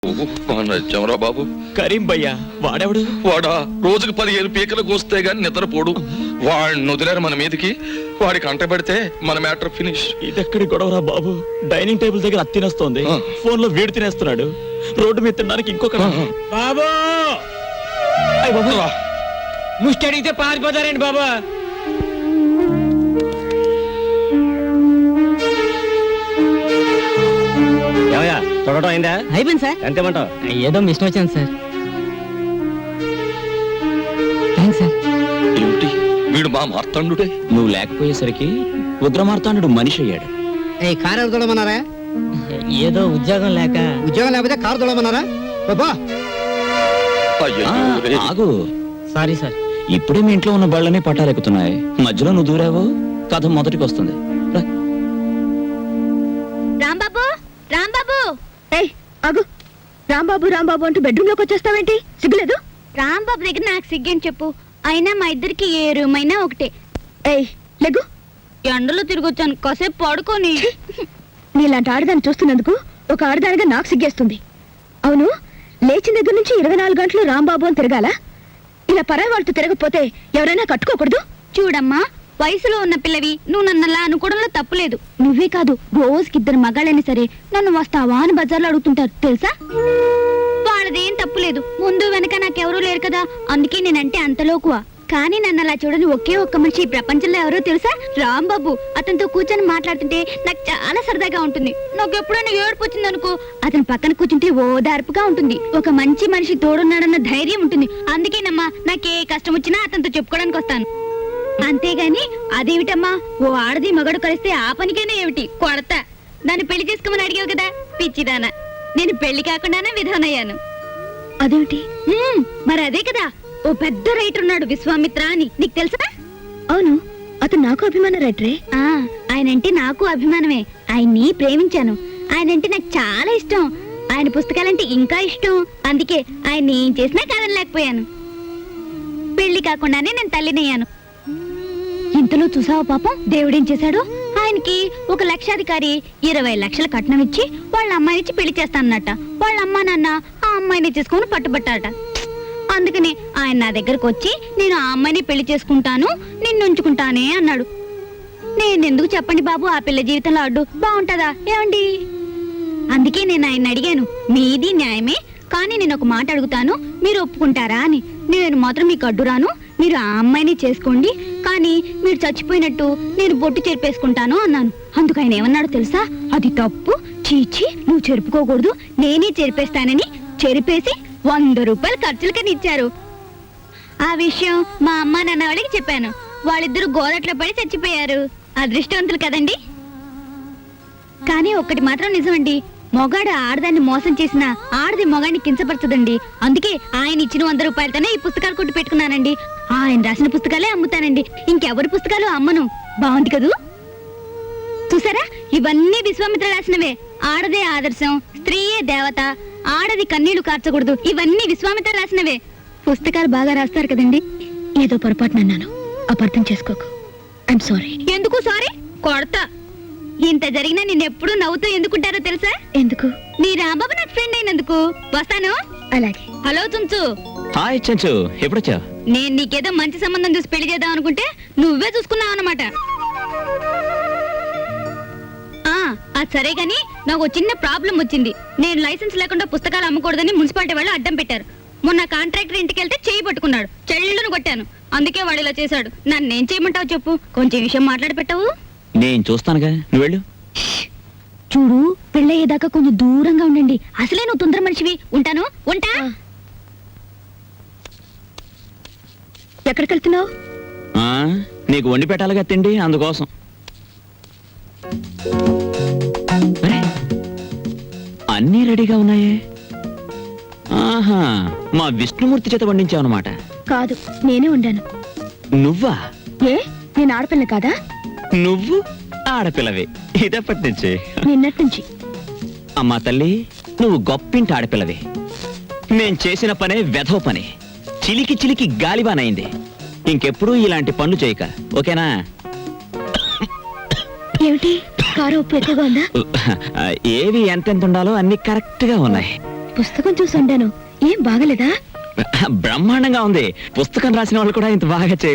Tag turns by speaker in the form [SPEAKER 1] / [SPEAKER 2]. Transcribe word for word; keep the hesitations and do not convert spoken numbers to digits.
[SPEAKER 1] నచ్చామరా బాబు.
[SPEAKER 2] కరీం భయ్యా వాడెవడు?
[SPEAKER 1] వాడా రోజుకు పదిహేను పీకలు కోస్తే గాని నిద్రపోడు. వాడిని వదిలేరు మన మీదకి. వాడికి అంట పెడితే మన మ్యాటర్ ఫినిష్.
[SPEAKER 2] ఇదెక్కడి గొడవరా బాబు? డైనింగ్ టేబుల్ దగ్గర అత్తి తినేస్తోంది, ఫోన్ లో వీడు తినేస్తున్నాడు, రోడ్డు మీద తినడానికి ఇంకొక
[SPEAKER 3] బాబు ముష్టి అడిగితే పారిపోతారండి బాబా. తొడటం అయిందా?
[SPEAKER 4] అయిపోయింది సార్.
[SPEAKER 3] ఎంతేమంటావు?
[SPEAKER 4] ఏదో మిషన్ వచ్చింది సార్. Thanks sir.
[SPEAKER 1] ఏమిటి వీడు మా మార్తాండుడే?
[SPEAKER 2] నువ్వు లేకపోయేసరికి ఉగ్రమార్తాండు మనిషి అయ్యాడు.
[SPEAKER 4] ఏ కారు ఎవరు తోడమన్నారా? ఏదో ఉద్యోగం లేక. ఉద్యోగం లేకపోతే కారు తోడమన్నారా? బాబా
[SPEAKER 2] ఆగు.
[SPEAKER 4] Sorry sir.
[SPEAKER 2] ఇప్పుడే మీ ఇంట్లో ఉన్న బళ్ళనే పట్టాలెక్కుతున్నాయి, మధ్యలో నువ్వు దూరావు, కథ మొదటికి వస్తుంది.
[SPEAKER 5] రాంబాబు రాంబాబు
[SPEAKER 6] ఏయ్ ఆగు. రాంబాబు రాంబాబు అంటూ బెడ్రూమ్ లోకి వచ్చేస్తావేంటి? సిగ్గులేదు?
[SPEAKER 5] రాంబాబు దగ్గర నాకు సిగ్గని చెప్పు. అయినా మా ఇద్దరికి ఏ రూమ్ అయినా ఒకటే.
[SPEAKER 6] ఏయ్ లెగ్గు.
[SPEAKER 5] ఎండలో తిరిగొచ్చాను, కాసేపు పడుకొని.
[SPEAKER 6] నీలాంటి ఆడదాన్ని చూస్తున్నందుకు ఒక ఆడదానిగా నాకు సిగ్గేస్తుంది. అవును, లేచిన దగ్గర నుంచి ఇరవై నాలుగు గంటలు రాంబాబు అని తిరగాల? ఇలా పరాయి వాళ్ళతో తిరగకపోతే ఎవరైనా కట్టుకోకూడదు?
[SPEAKER 5] చూడమ్మా, వయసులో ఉన్న పిల్లవి, నువ్వు నన్నలా అనుకోవడంలో తప్పులేదు. నువ్వే కాదు, రోజుకి ఇద్దరు మగాళ్ళైనా సరే నన్ను వస్తావా అని బజార్లో అడుగుతుంటారు తెలుసా. వాళ్ళదేం తప్పులేదు, ముందు వెనక నాకెవరూ లేరు కదా, అందుకే నేనంటే అంతలోకువా. కానీ నన్ను అలా చూడని ఒకే ఒక్క మనిషి ఈ ప్రపంచంలో ఎవరో తెలుసా? రాంబాబు. అతనితో కూర్చొని మాట్లాడుతుంటే నాకు చాలా సరదాగా ఉంటుంది. నాకు ఎప్పుడైనా ఏడుపు వచ్చింది అనుకో, అతని పక్కన కూర్చుంటే ఓదార్పుగా ఉంటుంది. ఒక మంచి మనిషి తోడున్నాడన్న ధైర్యం ఉంటుంది. అందుకేనమ్మా నాకే కష్టం వచ్చినా అతనితో చెప్పుకోవడానికి వస్తాను. అంతేగాని అదేమిటమ్మా, ఓ ఆడది మగడు కలిస్తే ఆ పనికైనా ఏమిటి కొడతా. దాన్ని పెళ్లి చేసుకోమని అడిగావు కదా పిచ్చిదానా. నేను పెళ్లి కాకుండానే విధానయ్యాను.
[SPEAKER 6] అదేమిటి?
[SPEAKER 5] మరి అదే కదా, ఓ పెద్ద రైటర్ ఉన్నాడు విశ్వామిత్ర అని, నీకు తెలుసా?
[SPEAKER 6] అవును, అతను నాకు అభిమాన రైటరే.
[SPEAKER 5] ఆ ఆయనంటే నాకు అభిమానమే. ఆయన్ని ప్రేమించాను. ఆయనంటే నాకు చాలా ఇష్టం. ఆయన పుస్తకాలంటే ఇంకా ఇష్టం. అందుకే ఆయన ఏం చేసినా కాదనలేకపోయాను. పెళ్లి కాకుండానే నేను తల్లినయ్యాను. ఇంతలో చూసావా పాపం దేవుడేం చేశాడు? ఆయనకి ఒక లక్షాధికారి ఇరవై లక్షల కట్నం ఇచ్చి వాళ్ళ అమ్మాయినిచ్చి పెళ్లి చేస్తానన్నట. వాళ్ళ అమ్మా నాన్న ఆ అమ్మాయిని చేసుకుని పట్టుబట్టారట. అందుకని ఆయన నా దగ్గరకు వచ్చి నేను ఆ అమ్మాయిని పెళ్లి చేసుకుంటాను, నిన్ను ఉంచుకుంటానే అన్నాడు. నేనెందుకు చెప్పండి బాబు ఆ పిల్ల జీవితంలో అడ్డు బాగుంటదా ఏమండి? అందుకే నేను ఆయన అడిగాను, మీది న్యాయమే, కానీ నేను ఒక మాట అడుగుతాను, మీరు ఒప్పుకుంటారా అని. నేను మాత్రం మీకు అడ్డురాను, మీరు ఆ అమ్మాయిని చేసుకోండి, కానీ మీరు చచ్చిపోయినట్టు నేను బొట్టు చెరిపేసుకుంటాను అన్నాను. అందుకు ఆయన ఏమన్నాడు తెలుసా? అది తప్పు, చీచి నువ్వు చెరుపుకోకూడదు, నేనే చెరిపేస్తానని చెరిపేసి వంద రూపాయలు ఖర్చులకని ఇచ్చారు. ఆ విషయం మా అమ్మ నాన్న వాళ్ళకి చెప్పాను. వాళ్ళిద్దరూ గోదట్లో పడి చచ్చిపోయారు. అదృష్టవంతులు కదండి. కానీ ఒక్కటి మాత్రం నిజమండి, మొగాడు ఆడదాన్ని మోసం చేసిన ఆడది మొగాడిని కించపరచదండి. అందుకే ఆయన ఇచ్చిన వంద రూపాయలతోనే ఈ పుస్తకాలు కొట్టు పెట్టుకున్నానండి. ఆయన రాసిన పుస్తకాలే అమ్ముతానండి, ఇంకెవరి పుస్తకాలు అమ్మను. బాగుంది కదూ? చూసారా, ఇవన్నీ విశ్వామిత్ర రాసినవే. ఆడదే ఆదర్శం, స్త్రీయే దేవత, ఆడది కన్నీళ్లు కార్చకూడదు, ఇవన్నీ విశ్వామిత్ర రాసినవే. పుస్తకాలు బాగా రాస్తారు కదండి.
[SPEAKER 6] ఏదో పొరపాటునన్నాను, అపార్థం చేసుకోకు. I'm sorry.
[SPEAKER 5] ఎందుకు సారీ? కొడతా. ఇంత జరిగినా నిన్నెప్పుడు నవ్వుతూ ఎందుకుంటారో తెలుసా?
[SPEAKER 6] ఎందుకు?
[SPEAKER 5] నీ రాంబాబు నాకు ఫ్రెండ్ అయినందుకు. వస్తాను.
[SPEAKER 6] అలాగే.
[SPEAKER 5] హలో చుంచు.
[SPEAKER 2] హాయ్ చెంచు, ఎప్పుడొచ్చా?
[SPEAKER 5] నేను నీకేదో మంచి సంబంధం చూసి పెళ్లి చేద్దాం అనుకుంటే నువ్వే చూసుకున్నావు అన్నమాట. అది సరే గాని నాకు చిన్న ప్రాబ్లం వచ్చింది. నేను లైసెన్స్ లేకుండా పుస్తకాలు అమ్మకూడదని మున్సిపాలిటీ వాళ్ళు అడ్డం పెట్టారు. మొన్న కాంట్రాక్టర్ ఇంటికి వెళ్తే చేయి పట్టుకున్నాడు, చెల్లును కొట్టాను. అందుకే వాడు ఇలా చేశాడు. నన్నేం చేయమంటావు చెప్పు? కొంచెం విషయం మాట్లాడి పెట్టావు.
[SPEAKER 2] నేను చూస్తానుగా, నువ్వు వెళ్ళు.
[SPEAKER 5] చూడు, పెళ్ళయ్యేదాకా కొంచెం దూరంగా ఉండండి. అసలే నువ్వు తొందర మనిషివి. ఉంటాను. ఉంటా.
[SPEAKER 6] ఎక్కడికి వెళ్తున్నావు?
[SPEAKER 2] నీకు వండి పెట్టాలిగా తిండి, అందుకోసం. అన్నీ రెడీగా ఉన్నాయే. ఆహా, మా విష్ణుమూర్తి చేత వండించావు అన్నమాట.
[SPEAKER 6] కాదు, నేనే ఉండాను.
[SPEAKER 2] నువ్వా?
[SPEAKER 6] ఏ, నేను ఆడపిల్ల కాదా?
[SPEAKER 2] నువ్వు ఆడపిల్లవే ఇదప్పటి నుంచి.
[SPEAKER 6] నిన్నటి నుంచి.
[SPEAKER 2] అమ్మా తల్లి, నువ్వు గొప్పింటి ఆడపిల్లవే. నేను చేసిన పనే వెధవ పని, చిలికి చిలికి గాలిబానైంది. ఇంకెప్పుడు ఇలాంటి పనులు చేయక, ఓకేనా?
[SPEAKER 6] ఏమిటి, కారు ఉప్పు ఎక్కువగా ఉందా?
[SPEAKER 2] ఏవి ఎంతెంత ఉండాలో అన్ని కరెక్ట్ గా ఉన్నాయి.
[SPEAKER 6] పుస్తకం చూసి ఉండాను. ఏం బాగలేదా?
[SPEAKER 2] బ్రహ్మాండంగా ఉంది. పుస్తకం రాసిన వాళ్ళు కూడా ఇంత బాగా చేయలేదు.